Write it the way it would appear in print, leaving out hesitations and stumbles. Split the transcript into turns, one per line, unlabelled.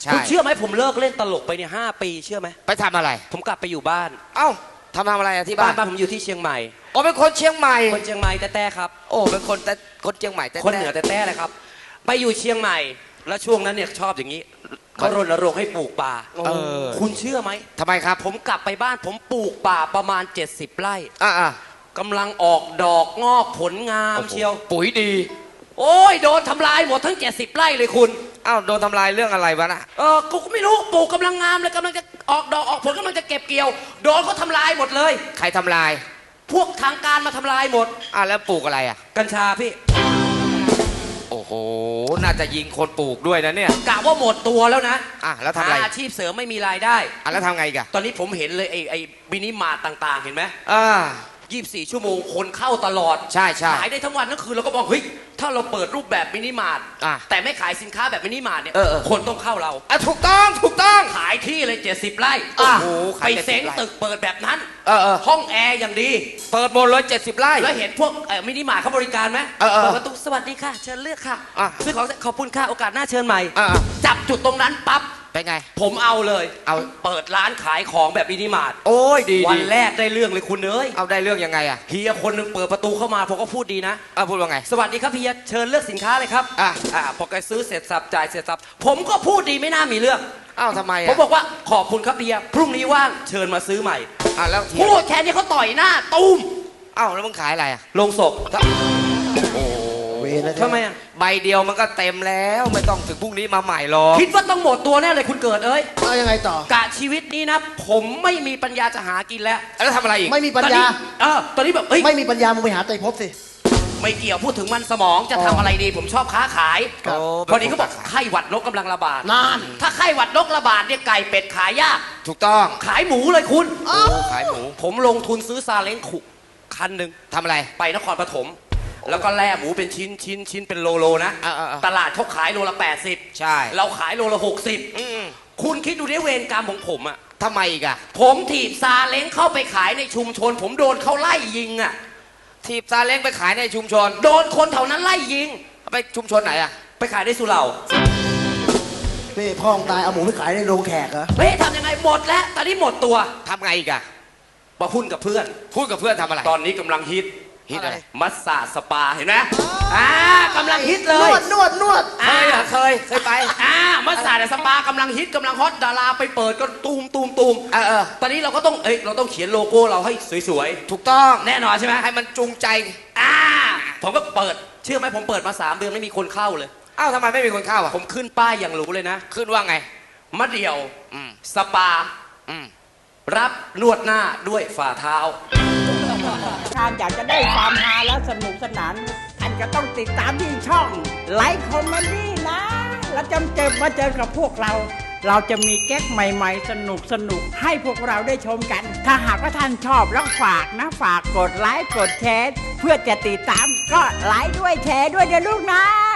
คุณเชื่อไหมผมเลิกเล่นตลกไปเนี่ย5 ปีเชื่อไหม
ไปทำอะไร
ผมกลับไปอยู่บ้าน
เอ้าทำอะไรที่บ้าน
ผมอยู่ที่เชียงใหม่
อ๋อเป็นคนเชียงใหม่
คนเชียงใหม่แต่ครับ
โอ้เป็นคนเชียงใหม่แต่
คนเหนือแต่เลยครับไปอยู่เชียงใหม่แล้วช่วงนั้นเนี่ยชอบอย่างนี้เขารณรงค์ให้ปลูกป่าคุณเชื่อไหม
ทำไมครับ
ผมกลับไปบ้านผมปลูกป่าประมาณ70 ไร่กำลังออกดอกงอกผลงามเชียว
ปุ๋ยดี
โอ้ยโดนทำลายหมดทั้ง70 ไร่เลยคุณ
อ้าวโดนทำลายเรื่องอะไรวะน่ะ
กูไม่รู้ปลูกกำลังงามเลยกำลังจะออกดอกออกผลกำลังจะเก็บเกี่ยวโดนเขาทำลายหมดเลย
ใครทำลาย
พวกทางการมาทำลายหมด
แล้วปลูกอะไร
กัญชาพี่
โอ้โหน่าจะยิงคนปลูกด้วยนะเนี่ย
กะว่าหมดตัวแล้วนะ
แล้วทำอะไร
อาชีพเสริมไม่มีรายได้
แล้วทำไงกัน
ตอนนี้ผมเห็นเลยไอ้มินิมาร์ทต่างๆเห็นไหม24 ชั่วโมงคนเข้าตลอด
ใช่
ขายได้ทั้งวันทั้งคืนเราก็บอกเฮ้ยถ้าเราเปิดรูปแบบมินิมาร์ทแต่ไม่ขายสินค้าแบบมินิมาร์ทเนี่ยคนต้องเข้าเรา
ถูกต้อง
ขายที่เลย70 ไร่ไปเซ้งตึกเปิดแบบนั้นห้องแอร์อย่างดี
เปิดหมดเลย70 ไร่
แล้วเห็นพวกมินิมาร์ทเขาบริการไหมเปิดประตูสวัสดีค่ะเชิญเลือกค่ะซื้อของขอบคุณค่ะโอกาสหน้าเชิญใหม่จับจุดตรงนั้นปั๊บ
เป็นไง
ผมเอาเลยเปิดร้านขายของแบบมินิมาร์ท
โอ้ยดี
วันแรกได้เรื่องเลยคุณเอ้ย
เอาได้เรื่องยังไง
เฮียคนนึงเปิดประตูเข้ามาผมก็พูดดีนะ
พูดว่าไง
สวัสดีครับเฮียเชิญเลือกสินค้าเลยครับพอแกซื้อเสร็จสับจ่ายเสร็จสับผมก็พูดดีไม่น่ามีเรื่อง
ทำไม
ผมบอกว่าขอบคุณครับเฮียพรุ่งนี้ว่างเชิญมาซื้อใหม่
แล้ว
พูดแค่นี้เขาต่อยหน้าตุ้ม
แล้วมึงขายอะไร
โรงศพทำไม
ใบเดียวมันก็เต็มแล้วไม่ต้องถึงพรุ่งนี้มาใหม่หรอก
คิดว่าต้องหมดตัวแน่เลยคุณเกิด
ยังไงต่อก
ะชีวิตนี้นะผมไม่มีปัญญาจะหากินแล้ว
ทำอะไรอีก
ไม่มีปัญญา
ตอนนี้แบบ
ไม่มีปัญญามึงไปหาไตรภพสิ
ไม่เกี่ยวพูดถึงมันสมองจะทำอะไรดีผมชอบค้าขายพอดีเขาบอกไข้หวัดนกกำลังระบาด
นั่น
ถ้าไข้หวัดนกระบาดเนี่ยไก่เป็ดขายยาก
ถูกต้อง
ขายหมูเลยคุณ
ขายหมู
ผมลงทุนซื้อซาเล้งขุคันหนึ่ง
ทำอะไร
ไปนครปฐมแล้วก็แล่หมูเป็นชิ้นเป็นโลนะตลาดเขาขายโลละ80
ใช่
เราขายโลละ60คุณคิดดูดิเวรกรรมของผม
ทำไมอีก
ผมถีบซาเล้งเข้าไปขายในชุมชนผมโดนเขาไล่ยิง
ถีบซาเล้งไปขายในชุมชน
โดนคนแถวนั้นไล่ยิง
ไปชุมชนไหน
ไปขายในสุเหร่า
พ่อตายเอาหมูไปขายในโรงแขกเหรอ
ทำยังไงหมดแล้วตอนนี้หมดตัว
ทำไงอีก
มาหุ้นกับเพื่อน
ทำอะไร
ตอนนี้กำลังฮิต
อะไร
มัสซาสปาเห็นไหมกำลังฮิตเลย
นวด
เคยไปมัสซาสปากำลังฮิตกำลังฮอตดาราไปเปิดก็ตูมตอนนี้เราก็ต้องเราต้องเขียนโลโก้เราให้สวย
ๆถูกต้อง
แน่นอนใช่ไหม
ให้มันจูงใจ
ผมก็เปิดเชื่อไหมผมเปิดมา3 เดือนไม่มีคนเข้าเลย
ทำไมไม่มีคนเข้า
ผมขึ้นป้ายอย่างหรูเลยนะ
ขึ้นว่าไง
มะเดี่ยวสปารับนวดหน้าด้วยฝ่าเท้า
ท่านอยากจะได้ความฮาและสนุกสนานท่านก็ต้องติดตามที่ช่องไลฟ์คอมเมดี้นะแล้วจะมาเจอกับพวกเราจะมีแก๊กใหม่ๆสนุกให้พวกเราได้ชมกันถ้าหากว่าท่านชอบแล้วฝากกดไลค์กดแชร์เพื่อจะติดตามก็ไลค์ด้วยแชร์ด้วยนะลูกนะ